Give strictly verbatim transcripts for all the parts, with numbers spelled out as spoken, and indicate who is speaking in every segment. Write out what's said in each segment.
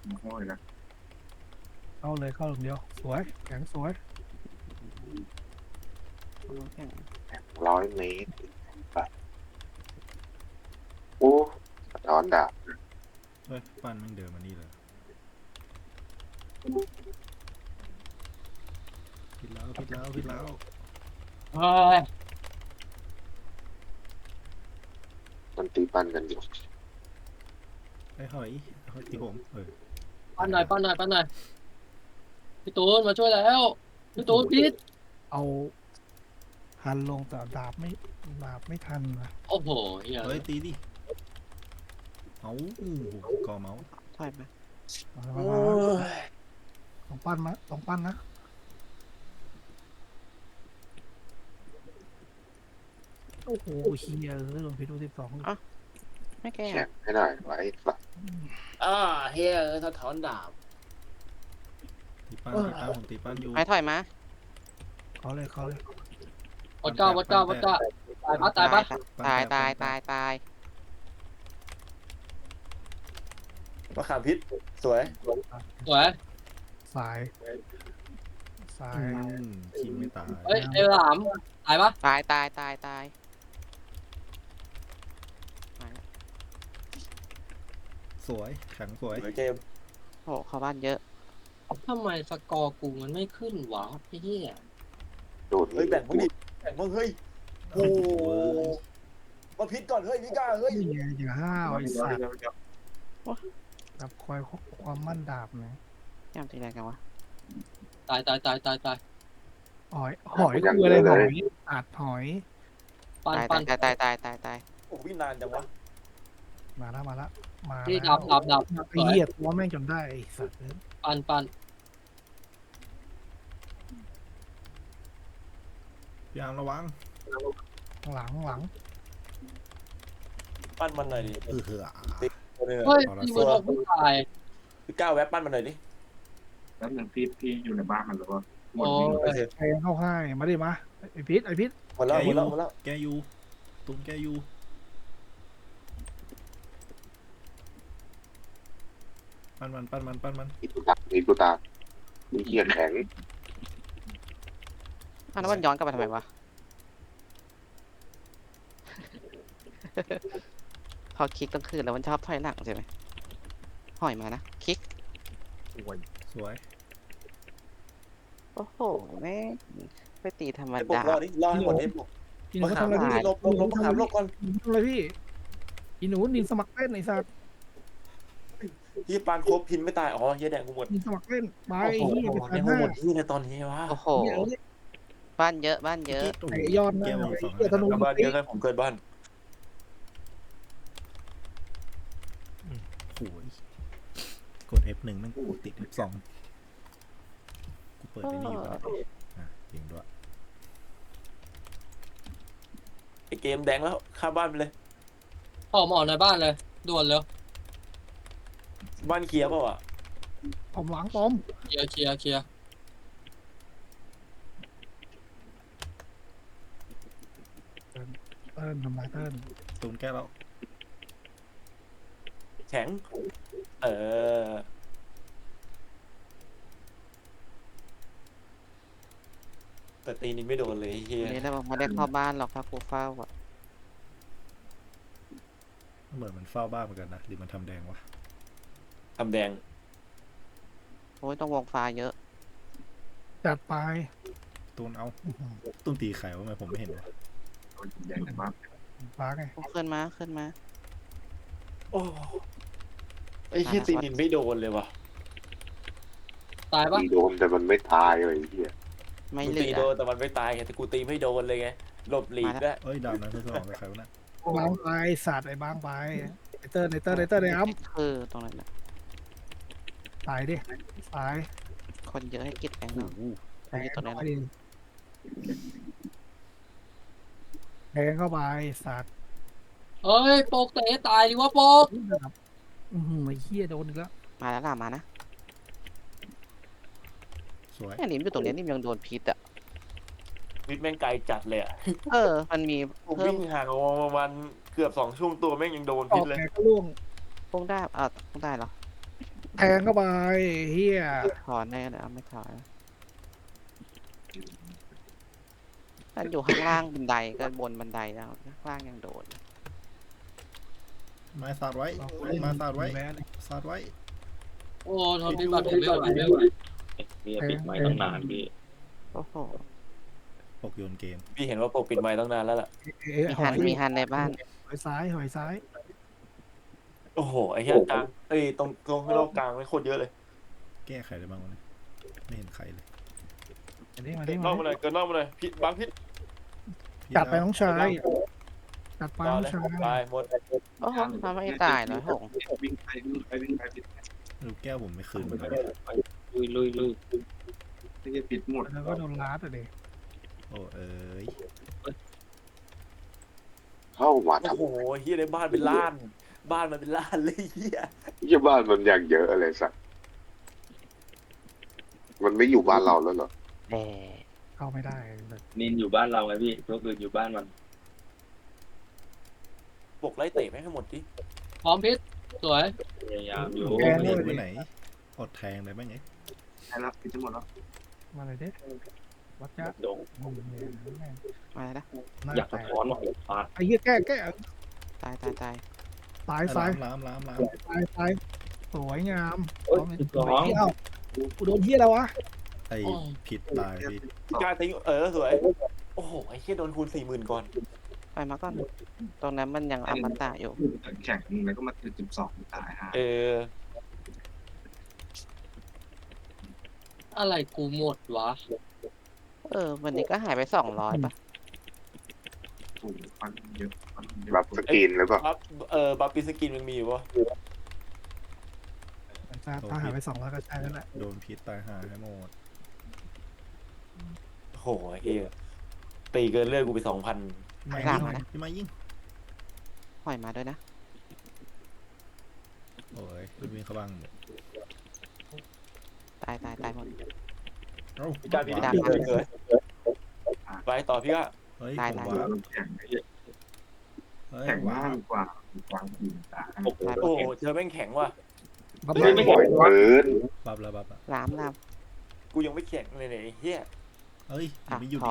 Speaker 1: ห้อยนะ
Speaker 2: เข้าเลยเข้าอย่างเดียวสวยแข็งสวย
Speaker 3: ร้อยเมตรแบบโอ้สะท้อนดาบ
Speaker 4: เฮ้ยปั้นแม่งเดินมานี่เลยผิดแล้วผิดแล้วผิดแล้ว
Speaker 5: เฮ้ย
Speaker 3: มันตีปันกันอยู่
Speaker 4: ไอ้หอยหอยตีผมเออ
Speaker 5: ปั้นหน่อยปั้นหน่อยปั้นหน่อยพี่ตูนมาช่วยแล้วพี่ตูนพิษ
Speaker 2: เอาหันลงแต่ดาบไม่ดาบไม่ทันนะ
Speaker 5: โอ้โหเฮีย
Speaker 4: เฮ้ยตีดิเอาอู้หูกอเมาส์
Speaker 6: ถอยมา
Speaker 2: มามามาลองปั้นมาลองปั้นนะโอ้โหเฮียเออโดนพิษดูสิบสอง
Speaker 6: ไม่แก้
Speaker 3: แข่งให้หน่อยไว้สัก
Speaker 5: อ่าเฮียเออสะท้อนดาบ
Speaker 4: ตีปั้นตีปั้นผมตีปั้นอยู่
Speaker 6: ไปถอยมา
Speaker 2: เขาเลยเขาเลย
Speaker 5: วัดเก้าวัดเก้าวัดเก้าตายปะตายปะ
Speaker 6: ตายตายตายตาย
Speaker 7: มะขามพิษสวย
Speaker 5: สวย
Speaker 2: สายสาย
Speaker 4: อืมคิงไม่ตาย
Speaker 5: เฮ้ยเอลหลามตายปะ
Speaker 6: ตายตายตายตายมาแล้ว
Speaker 4: สวยแข็งสวย
Speaker 7: สวยเกม
Speaker 6: โอ้เข้าบ้านเยอะ
Speaker 5: ทำไมสกอร์กูมันไม่ขึ้นวะไอ้เฮีย
Speaker 3: โดด
Speaker 7: เฮ้ยแบ่งมึงดิแบ่งมึงเฮ้ยโอ้โหมาพิษก่อนเฮ้ยพี่ก้าเฮ้ย
Speaker 2: นี่ไงอย่าห้าวไอ้สัตว์
Speaker 1: เดี๋ยวเดี๋ยว
Speaker 2: กับคอยความมั่นดาบนะ
Speaker 6: ยังตีแรงกันวะ
Speaker 5: ตายตายตายตายตาย
Speaker 2: หอยหอยคืออะไรหอยอัดหอย
Speaker 5: ปั้น
Speaker 6: ตาย
Speaker 5: ปั้น
Speaker 6: ตายตายตายตายตาย
Speaker 7: โอ้พี่นานจังวะ
Speaker 2: มาแล้วมาแล้วมา
Speaker 5: พี่
Speaker 2: แล้ว
Speaker 5: ดับดับดับ
Speaker 2: ไอ้เหี้ยตัวแม่งจนได้ไอ้สัตว์เอ้ย
Speaker 5: ปั้นปั้น
Speaker 4: พี่อาร์มระวัง
Speaker 2: หลังหลัง
Speaker 7: ปั้นมันหน่อยดิ
Speaker 4: เออเหือ
Speaker 7: ตัวนึง
Speaker 5: เฮ้ยพี่มันออกไม่ตาย
Speaker 7: พี่ก้าแวะปั้นมันหน่อยดิ
Speaker 1: แล้วหนึ่งพี่พี่อยู่ในบ้านมันหรือว่าหมด
Speaker 5: โอ้
Speaker 1: นี้
Speaker 7: โอเค
Speaker 2: ใครเข้าให้มาดิมาไอ้พิษไอ้พิษ
Speaker 7: หมดแล้วหมดแล้วหมดแล้ว
Speaker 4: แกยูตุ้มแกยูปั้นมันปั้นมันปั้นมัน
Speaker 3: มีกูตามีกูตามีเกียร์แข็ง
Speaker 6: อ้าวแล้วมันย้อนกลับมาทำไมวะ พอคลิกต้องคืนแล้วมันชอบถอยหลังใช่ไหมหอยมานะคลิก
Speaker 4: สวย
Speaker 6: โอ้โหแม่งไปตีธรรม
Speaker 7: ไอ้ปก
Speaker 6: ดาร
Speaker 7: อดิรอให้หมดไอ้ปก
Speaker 2: อีหนู
Speaker 7: มะขาม
Speaker 2: ทำอะไร
Speaker 7: พิษ
Speaker 2: พี่
Speaker 7: ลบลบลบมะขามลบก่อน
Speaker 2: ทำอะไรพี่อีหนูนินสมัครเล่นไอ้สัตว์
Speaker 7: พี่ปานครบพินไม่ตายอ๋อเฮียแดงกูหมด
Speaker 2: นินสมัครเล่นไป
Speaker 7: โอ้โห
Speaker 2: เหี้ยไป
Speaker 7: ใน
Speaker 2: ทาน
Speaker 7: หัว
Speaker 2: ห้า
Speaker 7: หมดที่ในตอนนี้วะ
Speaker 6: โอ้โห
Speaker 2: เหี้ยเอ้ย
Speaker 6: บ้านเยอะบ้านเยอะ
Speaker 4: โอ้โห
Speaker 2: ไอ้ยอดนะ
Speaker 4: แก้วสอง
Speaker 2: ไอ้เหี้ยธนู
Speaker 7: กลับบ้านเยอะเลยผมเกิดบ้าน
Speaker 4: โอ้ยกด เอฟ หนึ่งแม่งกูติด เอฟ สองกูเปิดไอ้นี่อยู่ก่อนอ่ะยิงด้วย
Speaker 7: ไอ้เกมแดงแล้วข้ามบ้านไปเลย
Speaker 5: ออกมาออกในบ้านเลยด่วนเลย
Speaker 7: บ้านเคลียร์เปล่าอ่ะ
Speaker 2: ผมหลังปอม
Speaker 5: เคลียร์เคลียร์เคลียร์
Speaker 2: เติ้ลทำลายเติ้ล
Speaker 4: ตูนแก้แล้ว
Speaker 7: แข็ง เออแต่ตีนี้ไม่โดนเลยไอ้เฮีย
Speaker 6: วันนี้เราไม่ได้เข้าบ้านหรอกถ้ากูเฝ้าอ่ะ
Speaker 4: เหมือนมันเฝ้าบ้านเหมือนกันนะหรือมันทำแดงวะ
Speaker 7: ทำแดง
Speaker 6: โอ้ยต้องวงฟ้าเยอะ
Speaker 2: จัดไป
Speaker 4: ตูนเอาตูนตีไข่ว่าทำไมผมไม่เห็นวะ
Speaker 1: โดนแดงในบ้าน
Speaker 2: ฟ้าไง
Speaker 6: ขึ้นมาขึ้นมา
Speaker 7: โอ้ไอ้เฮียตีนินไม่โดนเลยว่ะ
Speaker 5: ตายปะ
Speaker 3: ตีโดนแต่มันไม่ตายเลยไอ้เหี้ย
Speaker 6: ไม่
Speaker 7: กู
Speaker 6: เหลื
Speaker 7: ตี
Speaker 6: อ
Speaker 7: โดนแต่มันไม่ตายไงแต่กูตีไม่โดนเลยไงหลบหลีกด้วย
Speaker 4: เอ้ยดาวนั้นเพื่อนสมองกับใครวะน่ะ
Speaker 2: บางไปสัตว์ไอ้บางไปไอ้เติ้ลไอ้เติ้ลไอ้เติ้ลไอ้อ้ำ
Speaker 6: คือตรงนั้นนะ
Speaker 2: ตายดิตาย
Speaker 6: คนเยอะให้กิดแรงห
Speaker 4: โอ้
Speaker 6: น่อย
Speaker 4: โห
Speaker 2: แทง
Speaker 6: ตัวนั้
Speaker 2: เข้าน ไปดิแทงเข้าไปสัตว์
Speaker 5: เฮ้ยโปกเตะตายดิวะโปก
Speaker 2: อือหือไอ้เหี้ยโดนอีกแล้ว
Speaker 6: มาแล้วล่ะมานะ
Speaker 4: สวย
Speaker 6: เนี่ยนิ่มอยู่ตรงเนี้ยนิ่มยังโดนพิษอ่ะ
Speaker 7: วิทย์แม่งไกลจัดเลยอ่ะ
Speaker 6: เออ มันมี
Speaker 7: ผม
Speaker 6: เพิ่ม
Speaker 7: วิ่งห่างออกมาประมาณเกือบสองช่วงตัวแม่งยังโดน
Speaker 2: อ
Speaker 7: พิ
Speaker 2: อ
Speaker 7: ษ
Speaker 2: ก
Speaker 7: เลย
Speaker 2: แกก็ล่วง
Speaker 6: พุ่งได้อ่ะพุ่งได้เหรอ
Speaker 2: แทงเข้าไปเฮีย
Speaker 6: ถอนได้แล้วไม่ถอนถ้าอยู่ข้างล่างบันไดก็บนบันไดแล้วข้างล่างยังโดด
Speaker 4: ไม้สาดไว้ไม้สาดไว้
Speaker 2: แม่เลย
Speaker 4: สาดไว้
Speaker 5: โอ้ทนพิษก่อนทนไม่ไหวไม่ไหว
Speaker 8: พี่ปิดไม้ตั้งนานพี่
Speaker 6: โอ้โห
Speaker 4: ปกโยนเกม
Speaker 7: พี่เห็นว่าปกปิดไม้ตั้งนานแล้วล่ะ
Speaker 2: เอ๊ะ
Speaker 6: มี
Speaker 2: หอ
Speaker 6: ฮัน
Speaker 2: ย
Speaker 6: มีฮันในบ้าน
Speaker 2: หอยซ้ายหอยซ้าย
Speaker 7: โอ้โหไอ้เหี้ยกลางเอ้ยตรงตรงโลกกลางไม่โคตรเยอะเลย
Speaker 4: แก้ไขได้บ้างวะเนี่ยไม่เห็นใครเลย
Speaker 2: มาดิมา
Speaker 7: เกิ
Speaker 2: ดิ
Speaker 7: นน
Speaker 2: มา
Speaker 7: อกมาเลย
Speaker 2: ดิ
Speaker 7: เกินนอกมาเลยพิษบางพิษ
Speaker 4: พี่
Speaker 2: จัดไป
Speaker 4: แล้ว
Speaker 2: น้องชายจัดไป
Speaker 7: ต่อ
Speaker 2: น้อง
Speaker 7: เลย
Speaker 2: ชาย
Speaker 7: ตายหมด
Speaker 6: โอ้โหทำไม่ตายเหรอหง
Speaker 1: วิ่งไปวิ่งไปวิ่งไปปิด
Speaker 4: ลูกแก้วผมไม่คืนมันเลย
Speaker 8: ลุยลุยลุย
Speaker 1: ไม่จะปิดหมด
Speaker 2: แล้วก็โดนลาดอ่ะดิ
Speaker 4: โอ้เอ้ย
Speaker 3: เข้ามา
Speaker 7: โอ้
Speaker 3: ทำ
Speaker 7: โหเฮียในบ้านเป็นล้าน บ้านมันเป็นล้านเลยเฮีย
Speaker 3: ยี่บ้านมันอย่างเยอะอะไรสักมันไม่อยู่บ้านเราแล้วเหรอ
Speaker 6: แด่
Speaker 2: เข้าไม่ได้เลย
Speaker 8: นินอยู่บ้านเราไงพี่ตัวอื่นอยู่บ้านมัน
Speaker 7: ปกไล่เตะไม่ให้หมดดิ
Speaker 5: พร้อมพิษสวย
Speaker 8: พยายามอยู่
Speaker 4: แก้ไม่เห็นไว้ไหนอดแทงได้บ้างไง
Speaker 1: ใช่แล้วปิดทั้งหมดแล้ว
Speaker 2: มาเลยเด้วัดจ้า
Speaker 8: โดง
Speaker 6: มาแล้ว
Speaker 8: อยากสะท้อนว่าฟาด
Speaker 2: ไอ้เหี้ยแก้แก้
Speaker 6: ตายตายตาย
Speaker 2: ตายซ้าย
Speaker 4: ล้ามล้ามล้าม
Speaker 2: ตายซ้ายสวยงาม
Speaker 8: เอ้ยสิบสอง
Speaker 2: เอ้ากูโดนเหี้ยแล้ววะ
Speaker 4: ไอ้ผิดตายพี่
Speaker 7: กล้าทิ้งเออสวย โอ้โหไอ้เฮียโดนคูณสี่หมื่นก่อน
Speaker 6: ไปมาก่อนตรงนั้นมันยังอมตะอยู่
Speaker 1: แข่งแล้วก็มาติดสิบสองตายฮะ
Speaker 7: เออ
Speaker 5: อะไรกูหมดวะ
Speaker 6: เออ วันนี้ก็หายไปสองร้อยป่ะ
Speaker 1: ถูกฟันเยอะฟันเยอะ
Speaker 3: รับสกรีนหรือเปล่า
Speaker 7: บัฟเออบัฟปีสกินมันมีอยู่ปะ
Speaker 2: ถ้าถ้าหายไปสองร้อยก็ใช่แล้วแหละ
Speaker 4: โดนพิษตายหาให้หมด
Speaker 7: โอ้โหไอ้เฮียตีเกินเลือดกูไปสองพัน
Speaker 4: พี่มา
Speaker 6: หลั
Speaker 4: ยิ
Speaker 6: ง
Speaker 4: ง
Speaker 6: นะ
Speaker 4: พี่มายิง
Speaker 6: หอยมาด้วยนะ
Speaker 4: โอ้ยลูกวิ่งเข้าบ้างหมด
Speaker 6: ตายตายตายหมด
Speaker 4: เอ้า
Speaker 7: พี่กล้าพี่
Speaker 6: ไม่
Speaker 7: ก
Speaker 6: ได้
Speaker 7: ล้าเลยไปต่อพี่ก็
Speaker 4: เฮ้ย
Speaker 6: ตาย
Speaker 4: ผม
Speaker 6: ตาย
Speaker 4: ว้า
Speaker 1: แข่ง
Speaker 4: เฮ้ย
Speaker 1: แข่ง
Speaker 4: ว้าม
Speaker 1: ากกว่าความจริงตา
Speaker 8: โอ้โห
Speaker 7: โอ้โหเธอแม่งแข็งว่ะ
Speaker 2: บัฟ
Speaker 1: ไม่ไม่
Speaker 3: ปล่อยเกิน
Speaker 4: บับแล้วบับแล้ว
Speaker 6: ลามลาม
Speaker 7: กูยังไม่แข็งเลยเนี่ยไอ้เฮีย
Speaker 4: เฮ้ยยั
Speaker 6: อ่ะ
Speaker 4: งไม่หยุด
Speaker 6: ถอน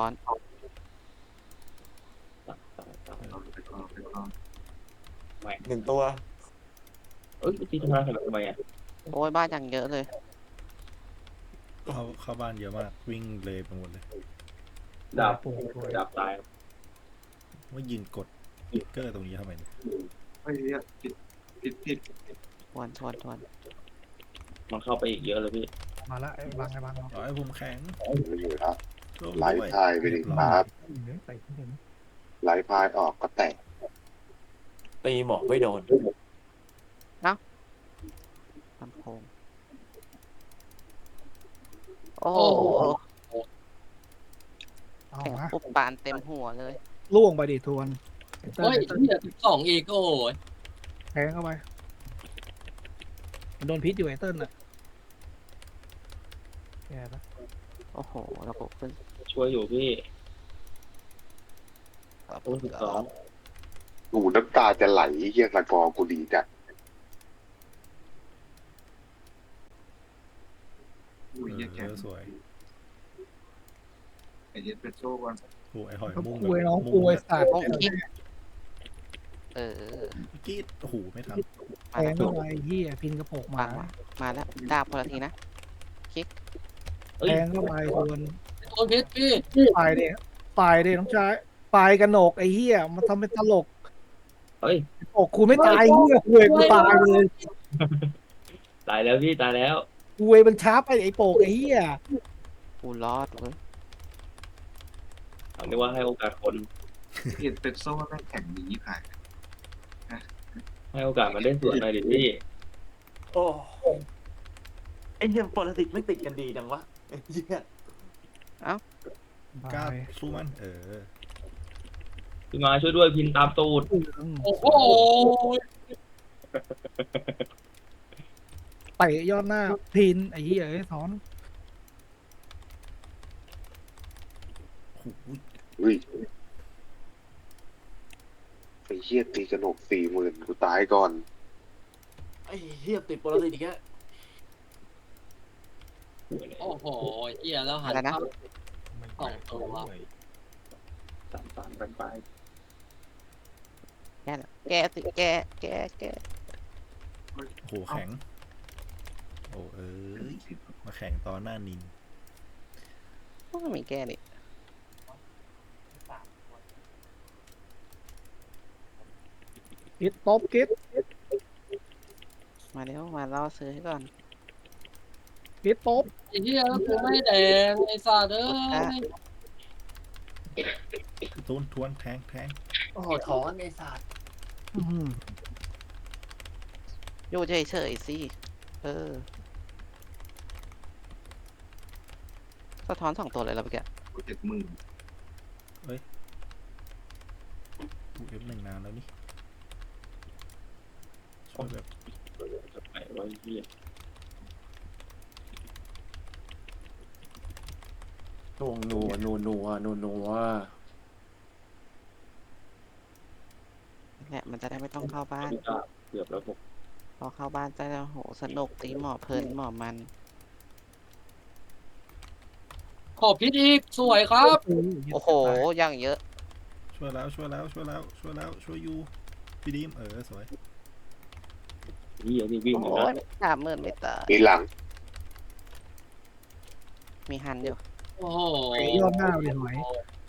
Speaker 7: หนึ่งตัว
Speaker 8: เอ้ยตีทำไมทำไมอ่ะ
Speaker 6: โอ้ยบ้านยังเยอะเลย
Speaker 4: เข้าเข้าบ้านเยอะมากวิ่งเลยไปหมดเลย
Speaker 8: ดาบ
Speaker 2: ปูปู
Speaker 8: ดาบตาย
Speaker 4: ว่ายืนกดติ๊กเกอร์ตรงนี้ทำไมเนี่ย
Speaker 1: เฮ้ยผิดผิดผิด
Speaker 6: ทวนทวนทวน
Speaker 8: มันเข้าไปอีกเยอะเลยพี่
Speaker 2: มาละไอ้บางไอ้บางเรา
Speaker 4: ต่อให้ผมแข็ง
Speaker 3: ไม่อยู่แล้ว
Speaker 4: ร่วม
Speaker 3: ไล
Speaker 4: ด้วย
Speaker 3: ฟ์พายไปดิครับ
Speaker 2: ใส่ขึ้นเห็น
Speaker 3: ไลฟ์พายออกก็แตก
Speaker 7: ตีหมอกไม่โดน
Speaker 6: ลำโพงโอ้โห
Speaker 2: เอา
Speaker 6: แข่ง
Speaker 2: มา
Speaker 6: ปุ๊บปานเต็มหัวเลย
Speaker 2: ล่วงไปดิทวน
Speaker 5: เฮ้ยเหี้ยสิบสองอีกโอ้ย
Speaker 2: แทงเข้าไปมันโดนพิษอยู่ไอ้เติ้ลน่ะแย่ปะ
Speaker 6: โอ้โหระบบขึ้น
Speaker 8: ช่วยอยู่พี่โอ้สิบสอง
Speaker 3: กูน้ำตาจะไหลเฮียสกอร์กูดีจัด
Speaker 1: อุ้ย
Speaker 4: เอ
Speaker 1: แข่ง
Speaker 4: อสวย
Speaker 1: ไอเอสเปรสโซ่ก่อน
Speaker 4: โอ้ไอหอย
Speaker 2: เขา
Speaker 4: มุ่ง
Speaker 2: ป่วยน้องป่วยสัตว์
Speaker 6: โอ้คิดเออ
Speaker 4: กรีดโอ้โหไม่ทัน
Speaker 2: แท
Speaker 6: มาแล้
Speaker 2: ง
Speaker 6: ว
Speaker 2: เข้าไปเหี้ยพินกระโปง
Speaker 6: วา
Speaker 2: มา
Speaker 6: งวะมาแล้วดาบคนละทีนะ
Speaker 8: เอ้ย
Speaker 2: แทงเข้าไปทวน
Speaker 5: โดนพิษพี่
Speaker 2: ตายเด้ตายเด้น้องชายตายกันโหนกไอ้เหี้ยมันทำเป็นตลก
Speaker 8: เอ้ย
Speaker 2: โอ้กูไม่ตายเหี้ยคุยกูตายเลย
Speaker 8: ตายแล้วพี่ตายแล้ว
Speaker 2: คุยมันช้าไปไอ้โปกไอ้เหี้ย
Speaker 6: กูรอดเว้ย
Speaker 8: เอาเรียกว่าให้โอกาสคน
Speaker 1: เอสเปรสโซ่แม่งแข่งดีผ่าน
Speaker 8: ให้โอกาสมันได้สวนหน่อยดิพี่
Speaker 7: โอ้ไอ้เฮียปรสิตไม่ติดกันดีจังวะไอ้เฮีย
Speaker 4: กล้าสู้มันเออ
Speaker 8: พี่มาช่วยด้วยพินตามตูด
Speaker 5: โอ้โห
Speaker 2: เตะยอดหน้าพินไอ้เหี้ยไอ้ถอน
Speaker 4: โอ้โห
Speaker 3: อุ้ยไอ้เฮียตีกระหนกสี่หมื่นกูตายก่อน
Speaker 7: ไอ้เฮียติดปรสิตอีกแล้ว
Speaker 5: โอ้โหเหี้ยแล้วหัน
Speaker 6: อะไรนะ
Speaker 5: เข้า
Speaker 9: ไม่
Speaker 5: สองตัว
Speaker 9: ด้วย
Speaker 8: สามสามไปไป
Speaker 6: แกน่ะแกสิแกแกแก
Speaker 4: โอ้โหแข็ง โอ้เอ้ยมาแข็งตอนหน้านิน
Speaker 6: ไม่มีแกนี่
Speaker 2: กิดตบกิด
Speaker 6: มาเร็วมาล่อซื้อให้ก่อน
Speaker 2: กิดตบ
Speaker 5: ไอ้เหี้ยแล้วกูไม่แดงไอ้สัตว์เอ้ย
Speaker 4: ตูนทวนแทงแทง
Speaker 7: โอ้โหถอนไอ้สัตว์
Speaker 2: อื้อหือ
Speaker 6: อยู่เฉยๆสิเออสะท้อนสองตัวเลยแล้วเมื่อกี้
Speaker 1: เจ็ดหมื่น
Speaker 4: กูเอฟหนึ่งนานแล้วนี่ช่วยแบบ
Speaker 8: จะไปไว้เหี้ย
Speaker 7: นัวนัวนัวนัวนัวนัว
Speaker 6: แหละมันจะได้ไม่ต้องเข้าบ้าน
Speaker 8: ไม่กล้าเกือบแล้วผม
Speaker 6: พอเข้าบ้านจะได้โหสนุกตีหมอเพลินหมอมัน
Speaker 5: ขอพิษอีกสวยครับ
Speaker 6: โอ้โหอย่างเยอะ
Speaker 4: ช่วยแล้วช่วยแล้วช่วยแล้วช่วยแล้วช่วยยูพี่ดีมเออสวย
Speaker 8: เหี้ยนี่วิ่ง
Speaker 6: โอ้
Speaker 8: อยู่นะ
Speaker 6: ยสามหมื่นไม่ตาย
Speaker 3: มีหลัง
Speaker 6: มีฮันอยู่
Speaker 5: โอ้โห
Speaker 2: ยอดหน้าเลยหน่อย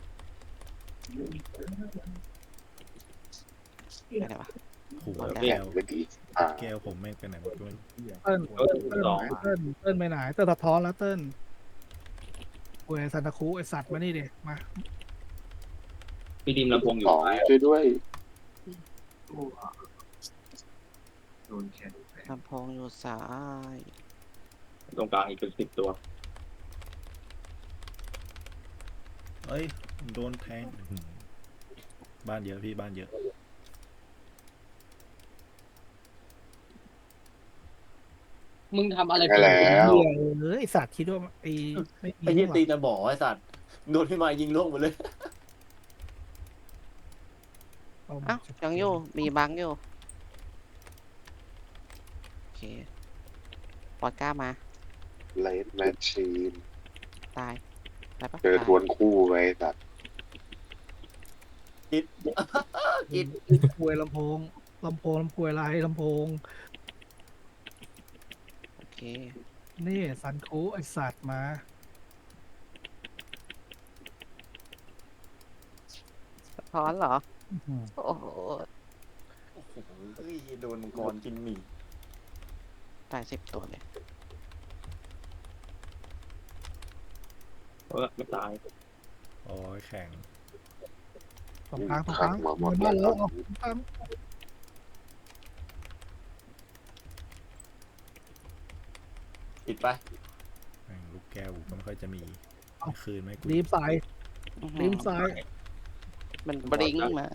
Speaker 6: ไปไหนวะ
Speaker 4: โอ้โห
Speaker 6: หมดแล้ว
Speaker 4: แก้
Speaker 3: แข่ง
Speaker 4: ว
Speaker 3: ไม่ดีอ่า
Speaker 4: แก้วผมแม่งไปไหนหมดก็ไม่รู้
Speaker 2: เติ้ล
Speaker 8: เออสอง
Speaker 2: เติ้ลเติ้ลไปไหนเติ้ลสะท้อนแล้วเติ้ลโอ้ยซันตาคูไอสัตว์มานี่ดิมา
Speaker 8: พี่ดิมลำโพงอยู่
Speaker 3: สอง
Speaker 8: ซ้าย
Speaker 3: ช่วยด้วย
Speaker 1: โอ้โดนแขนแฝง
Speaker 6: ลำโพงอยู่ซ้าย
Speaker 8: ตรงกลางอีกเป็นสิบตัว
Speaker 4: เอ้ยโดนแทงอื้อหือบ้านเยอะพี่บ้านเยอะ
Speaker 5: มึงทำอะไร
Speaker 3: ได้แล้ว
Speaker 2: เหี้ยเออไอสัตว์คิดว่าไอไม่
Speaker 7: ไอ้
Speaker 2: มี
Speaker 7: เหี้ย
Speaker 2: หรอ
Speaker 7: ตีตะบ่อไอ้สัตว์โดนพี่มายิงล่วงหมดเลย
Speaker 2: เอา
Speaker 6: เอ้ายังอยู่มีบังอยู่โอเคปอดกล้ามา
Speaker 3: เลดแมชชีน
Speaker 6: ตายตายปะ
Speaker 3: เจอ
Speaker 6: ตาย
Speaker 3: ทวนคู่ไว้สัตว์
Speaker 7: กิดกิด
Speaker 2: ควยลำโพงลำโพงลำควยอะไรลำโพง
Speaker 6: โอเค
Speaker 2: นี่ซันคูไอสัตว์มา
Speaker 6: สะท้อนเหรอ
Speaker 2: อื้อหือ
Speaker 6: โอ้โห
Speaker 7: โอ้โหเฮ้ยโดนมังกรกินหมี่
Speaker 6: ตายสิบตัวเลย
Speaker 8: เออไม่ตาย
Speaker 4: โอ้ยแข็ง
Speaker 2: สองครั้งสองค
Speaker 3: ขั
Speaker 2: รั้
Speaker 3: ง
Speaker 2: ง
Speaker 3: มาหมด
Speaker 2: มา
Speaker 3: แล้ว
Speaker 2: แล้วเอาสองครั้ง
Speaker 7: ปิดไป
Speaker 4: แม่งลูกแก้วก็ไม่ค่อยจะมีคืนไหมกู
Speaker 2: รีบใส่
Speaker 6: อื้อหื
Speaker 2: รี
Speaker 6: อบ
Speaker 2: ใส่
Speaker 6: มันบลิงก์มา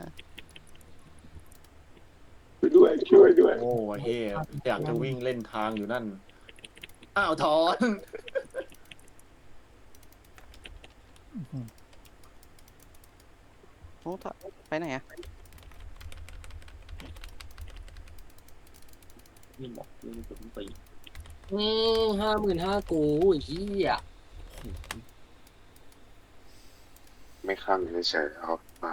Speaker 3: ช่วยด้วยช่วยด้วย
Speaker 7: โอ้เฮียอยากจะวิ่งเล่นทางอยู่นั่น อ้าวถอน
Speaker 2: อื้อหือ
Speaker 6: โอ้ถอดไปไหนอะ
Speaker 8: นี่หมอกนี่ผมตี
Speaker 5: อืมห้าหมื่นห้ากูไอ้เหี้ย
Speaker 3: ไม่ข้างเฉยๆเอามา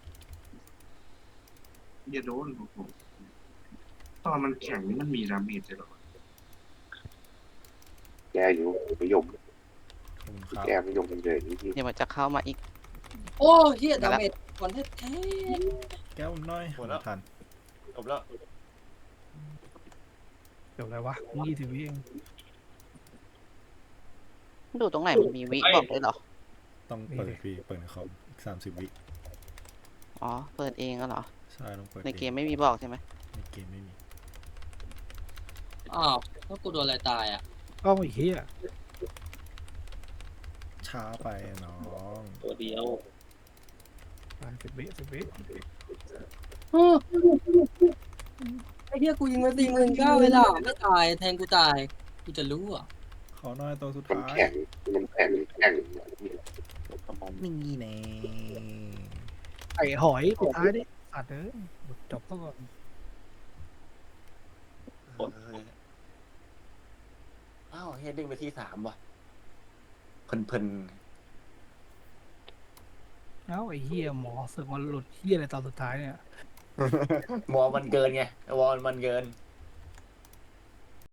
Speaker 1: อย่าโดนโอ้โหตอนมันแข็งนี่มันมีดาเมจเลยเหรอ
Speaker 3: แก้อยู่ไม่ยม
Speaker 4: ขอบคุณครับ
Speaker 3: แก้ไม่ยมเลยนี่ที่
Speaker 6: เดี๋ยวมันจะเข้ามาอีก
Speaker 5: โอ้เหี้ยดาเมจก่อนแท้
Speaker 4: แก้วน้อยไม่ทัน
Speaker 7: จบแล้ว
Speaker 2: เดี๋ยวอะไรวะยี่สิบวิเอง
Speaker 6: ดูตรงไหนมันมีวิบอกเลยเหรอ
Speaker 4: ต้องเปิดพี่เปิดในคอมอีกสามสิบวิ
Speaker 6: อ๋อ เปิดเองก็เหรอ
Speaker 4: ใช่ต้องเปิด
Speaker 6: ในเก
Speaker 4: อง
Speaker 6: มไม่มีบอกใช่ไหม
Speaker 4: ในเกมไม่มี
Speaker 5: ๆอ้าวแล้วกูโดนอะไรตายอ่ะ
Speaker 2: กล้องไอ้เหี้ย
Speaker 4: ช้าไปน้อง
Speaker 8: ตัวเดียว
Speaker 2: ไปสิบวิสิบวิ
Speaker 5: ไอ้เหี้ยกูยิงมาสี่หมื่นเก้าเวลาไม่ตายแทงกูตายกูจะรู้อ่ะ
Speaker 4: ขอหน้อยตัวสุด
Speaker 3: มัน
Speaker 4: ท้าย
Speaker 3: แข็งมันแข็งแข็ง
Speaker 8: ทำมัน
Speaker 4: นี่แน่
Speaker 2: ไอ้หอยสุดท้ายดิสัตว์เอ้ยจบซะก่อน
Speaker 7: เอออ้าวเฮดดิ้งไปที่สามว่ะเพลิน
Speaker 2: เอ้าไอ้เหี้ยหมอสึกมันหลุดเหี้ยอะไรตอนสุดท้ายเนี่ย
Speaker 7: ๆวอลมันเกินไงวอลมันเกิน